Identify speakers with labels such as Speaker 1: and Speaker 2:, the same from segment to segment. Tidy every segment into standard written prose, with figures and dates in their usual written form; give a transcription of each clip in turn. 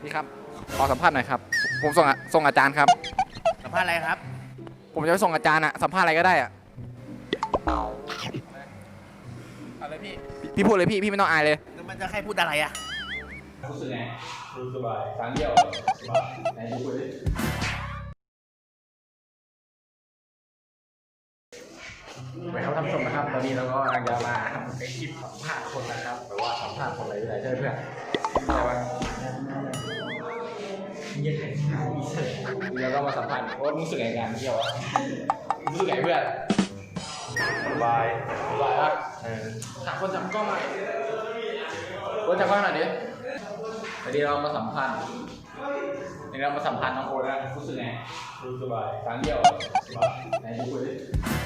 Speaker 1: พี่ครับขอสัมภาษณ์หน่อยครับผมส่งอาจารย์ครับ
Speaker 2: สัมภาษณ์อะไรครับ
Speaker 1: ผมจะไปส่งอาจารย์อะสัมภาษณ์อะไรก็ได้อะอะไรพี่พูดเลยพี่ไม่ต้องอายเลย
Speaker 2: แล้วมันจะให้พูดอะไรอ่ะ
Speaker 1: รู้สึกไงรู้สบายครั้งเดียวสบายไหนดูดิไปครับท่านผู้ชมนะครับตอนนี้เราก็กำลังจะมาทำคลิปสัมภาษณ์คนนะครับแต่ว่าสัมภาษณ์คนอะไรไม่ได้ใช่เพื่อนแต่ว่ายังไงเดี๋ยวเรามาสัมภาษณ์ว่ารู้สึกไงกันเที่ยวรู้สึกไงเพื่อนสบายปะถามคนจับกล้องหน่อยคนจับกล้องหน่อยดิวันนี้เรามาสัมภาษณ์น้องโอ๊ตนะรู้สึกไงรู้สบายครั้งเดียวสบายไหนดูคุยดิ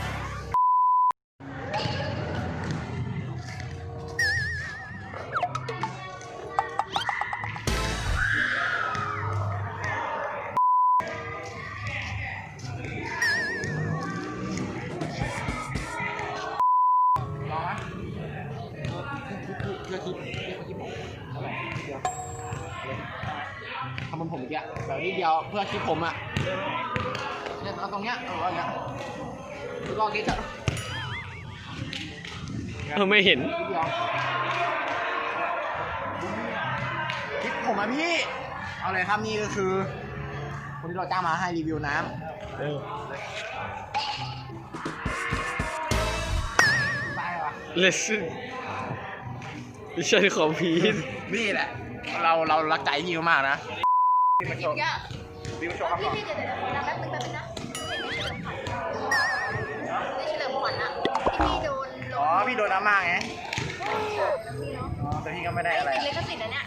Speaker 1: ทำมันผมอีกอะแบบนี้เดียวเพื่อคลิปผมอะเนี่ยเอาตรงเนี้ยเอาอย่างเงี้ยลองดิเถอะ
Speaker 3: ไม่เห็น
Speaker 2: คลิปผมอะพี่เอาเลยครับนี่ก็คือคนที่เราจ้างมาให้รีวิวน้ำไปวะ
Speaker 3: Listen ไม่ใช่ของพีท
Speaker 2: นี่แหละเรารักใจพี่มากนะพี่มาโชว์พี่มาโชว์ครับก่อน
Speaker 4: พี่เดี๋ยวแป๊บนึงนะเห็นในเฉลิมขวัญอะที่พี่โดน
Speaker 2: อ๋อพี่โดนน้ำมากไงแต่พี่ก็ไม่ได้อะไร
Speaker 4: ติดลิขสิทธิ์นะเนี่ย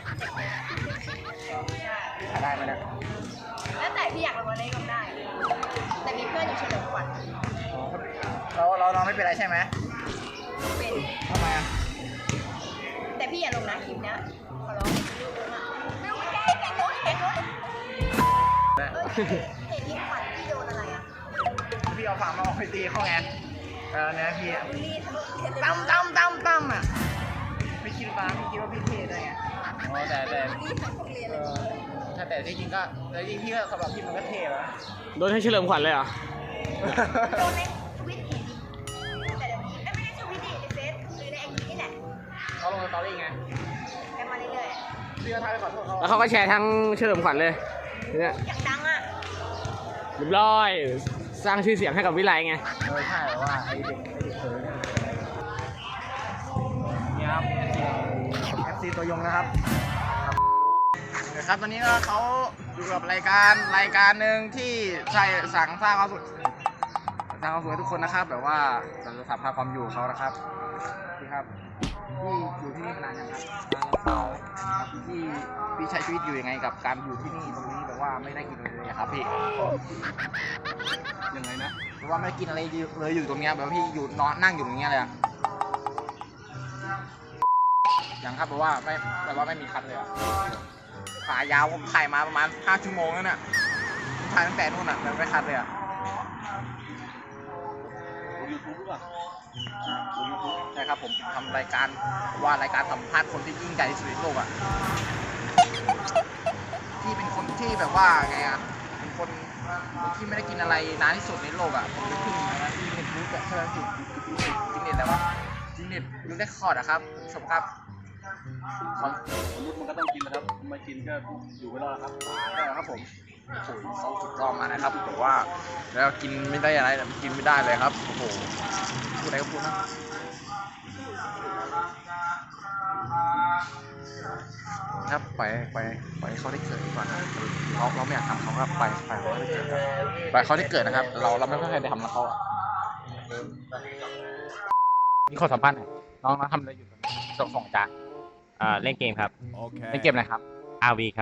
Speaker 2: ได้ไหมเนี่ย
Speaker 4: แล้วแต่พี่อยากลงอะไรก็ได้ แต่มีเพื่อนอยู่เฉลิมขวัญ
Speaker 2: เราน้องไม่เป็นไรใช่ไหม
Speaker 4: เป็น
Speaker 2: ทำไมอ่ะ
Speaker 4: แต่พี่อย่าลงนะคลิปเนี้ยขอร้องไม่ต้องแกล้งโน้ตเห็นพี่ขวัญพี่โดนอะไรอ่ะ
Speaker 2: พี่เอาฝามาออกไปตีเขาไงเนี่ยพี่
Speaker 4: นี่ทะลุเห็น
Speaker 2: ตั้มอ่ะไม่คิดว่าพี่เทได้ไงอ๋อแต่
Speaker 4: นี่ทั้งโรงเรียนเลย
Speaker 2: แต่ที่จริงก็แต่จริงพี่ก็สำหรับพี่มันก็เท่แล้ว
Speaker 3: โดนให้เฉลิมขวัญเลยเหรอ
Speaker 4: โดนในทวิตเห็นแต่เดี๋ยวนี้ไม่ได้ทวิตดิในเฟซหรือในไอจีนี่แหละ
Speaker 2: เขาลงสตอรี่ไง
Speaker 4: แกมาเรื่อย
Speaker 2: พี่ก็ท้าไปขอโทษเขา
Speaker 3: แล้วเขาก็แชร์ทั้งเฉลิมขวัญเลยเนี่ย
Speaker 4: ๆอยากดังอ่ะ
Speaker 3: เรียบร้อยสร้างชื่อเสียงให้กับวิไลไง
Speaker 2: ใช่แต่ว่าไอเด็กเขินนี่ครับ FC ตัวยงนะครับครับตอนนี้ก็เขาอยู่กับรายการหนึ่งที่ใช่สร้างความสุขให้ทุกคนนะครับแบบว่าจะสัมภาษณ์ความอยู่เขานะครับพี่ครับพี่อยู่ที่นี่มานานยังครับพี่ใช้ชีวิตอยู่ยังไงกับการอยู่ที่นี่ตรงนี้แบบว่าไม่ได้กินอะไรเลยครับพี่ยังไงนะแบบว่าไม่ได้กินอะไรเลยอยู่ตรงเนี้ยแบบพี่อยู่นอนนั่งอยู่ตรงเนี้ยเลยอะยังครับแบบว่าไม่มีคันเลยอะขายาวผมถ่ายมาประมาณ5 ชั่วโมงแล้วเนี่ยถ่ายตั้งแต่นู่นอ่ะแต่ไม่คัดเลยอ่ะยูทูบหรือเปล่าใช่ครับผมทำรายการสัมภาษณ์คนที่ยิ่งใหญ่ที่สุดในโลกอ่ะที่เป็นคนที่แบบว่าไงอ่ะเป็นคนที่ไม่ได้กินอะไรนานที่สุดในโลกอ่ะผมจะขึ้นนะที่เน็ตรู้แบบเท่านั้นสิจริงเน็ตแล้ววะจริงเน็ตรู้ได้คอร์ดอะครับชมครับมนุษย์มันก็ต้องกินนะครับไม่กินก็อยู่ไม่รอดครับใช่ครับผมเขาสุดยอดมานะครับแต่ว่าแล้วกินไม่ได้อะไรกินไม่ได้เลยครับโอ้โหพูดอะไรก็พูดนะครับไปเขาได้เกิดดีกว่านะเราไม่อยากทำเขาครับไปเขาได้เกิดครับไปเขาได้เกิดนะครับเราไม่เคยได้ทำแล้วเขามีข้อสัมพันธ์น้องทำอะไรอยู่ส่งจาน
Speaker 3: เล่นเกมครับ
Speaker 1: เล่นเกมอะไรครับ
Speaker 3: RV ครับ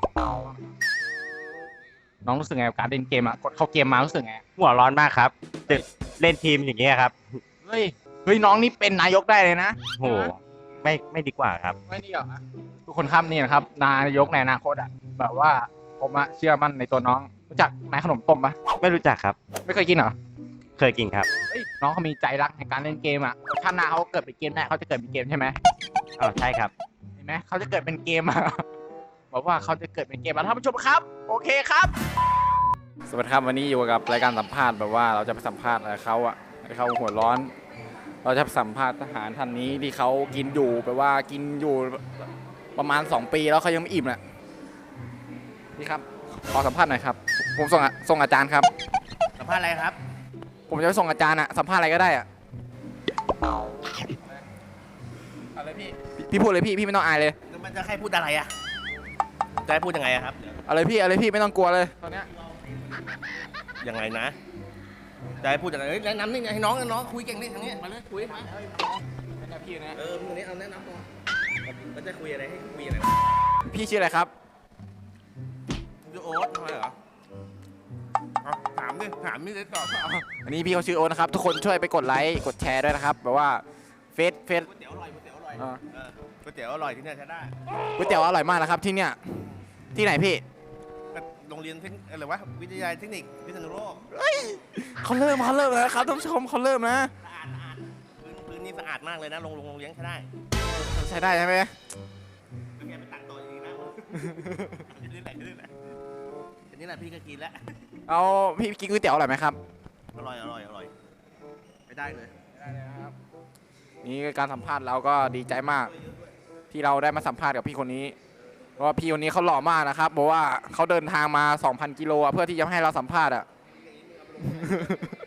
Speaker 1: น้องรู้สึกไงกับการเล่นเกมกดเข้าเกมมารู้สึกไง
Speaker 3: หัวร้อนมากครับตึกเล่นทีมอย่างเงี้ยครับ
Speaker 1: เฮ้ยน้องนี่เป็นนายกได้เลยนะ
Speaker 3: โหไม่ดีกว่าครับ
Speaker 1: ไม่ดีหรอทุกคนครับนี่นะครับนายกในอนาคตอ่ะแบบว่าผมเชื่อมั่นในตัวน้องรู้จักนายขนมต้มปะ
Speaker 3: ไม่รู้จักครับ
Speaker 1: ไม่เคยกินเหรอ
Speaker 3: เคยกินครับ
Speaker 1: น้องเขามีใจรักในการเล่นเกมถ้าหน้าเขาเกิดเป็นเกมได้เขาจะเกิดเป็นเกมใช่ไหม
Speaker 3: อ๋อใช่ครับ
Speaker 1: เห็นไหมเขาจะเกิดเป็นเกม
Speaker 2: บอกว่าเขาจะเกิดเป็นเกมแล้วท่านผู้ชมครับ โอเคครับ
Speaker 3: สวัสดีครับวันนี้อยู่กับรายการสัมภาษณ์แบบว่าเราจะไปสัมภาษณ์อะไรเขาอะให้เขาหัวร้อน เราจะไปสัมภาษณ์ทหารท่านนี้ที่เขากินอยู่แบบว่ากินอยู่ประมาณ2 ปีแล้วเขายังไม่อิ่มน่ะนี่ครับขอสัมภาษณ์หน่อยครับผมส่งอาจารย์ครับ
Speaker 2: สัมภาษณ์อะไรครับ
Speaker 3: ผมจะไปส่งอาจารย์อะสัมภาษณ์อะไรก็ได้อะอะไรพี่พูดเลยพี่ไม่ต้องอายเลย
Speaker 5: มันจะให้พูดอะไรอ่ะ จะให้พูดยังไงอะครับ
Speaker 3: อะไรพี่ไม่ต้องกลัวเลยตอนเนี้ย
Speaker 5: ยังไงนะ จะให้พูดยังไงแนะนำนี่ไงให้น้องคุยเก่งนี่ทางนี้มาเลยคุยมา
Speaker 3: พี่นะ
Speaker 5: มึงนี้เอาแนะนำตัวมันจะคุยอะไรให้คุยอะไร
Speaker 3: พี่ชื่ออะไรครับ
Speaker 5: จะโอ๊ตทำไมเหรอเอาถามนี่เลยตอบ
Speaker 3: อันนี้พี่เขาชื่อโอ๊ตนะครับทุกคนช่วยไปกดไลค์กดแชร์ด้วยนะครับแบบว่าเฟซ
Speaker 5: ก๋วยเตี๋ยวอร่อยก๋วยเตี๋ยวอร่อยก๋วยเตี๋ยวอร่อยที่เนี่ยใช้ได้
Speaker 3: ก๋วยเตี๋ยวอร่อยมากนะครับที่เนี่ยที่ไหนพี่
Speaker 5: โรงเรียนอะไรวะวิทยาลัยเทคนิคพิษณุโลก
Speaker 3: เขาเริ่มแล้วครับท่านผู้ชมเขาเริ่มนะ
Speaker 5: สะอาดพื้นนี่สะอาดมากเลยนะโรงเรียนใช้ได้
Speaker 3: ใช้ได้ใช่ไหม
Speaker 5: เป็นไงไปตังโตจริงๆนะนี่แหละอันนี้แหละพี่ก็กินแล้ว
Speaker 3: เอาพี่กินก๋วยเตี๋ยวอร่อยไหมครับ
Speaker 5: อร่อยไปได้เลย
Speaker 3: นี่การสัมภาษณ์เราก็ดีใจมาก ที่เราได้มาสัมภาษณ์กับพี่คนนี้ เพราะว่าพี่คนนี้เขาหล่อมากนะครับบอกว่าเขาเดินทางมา 2,000 กิโลอะเพื่อที่จะให้เราสัมภาษณ์อะ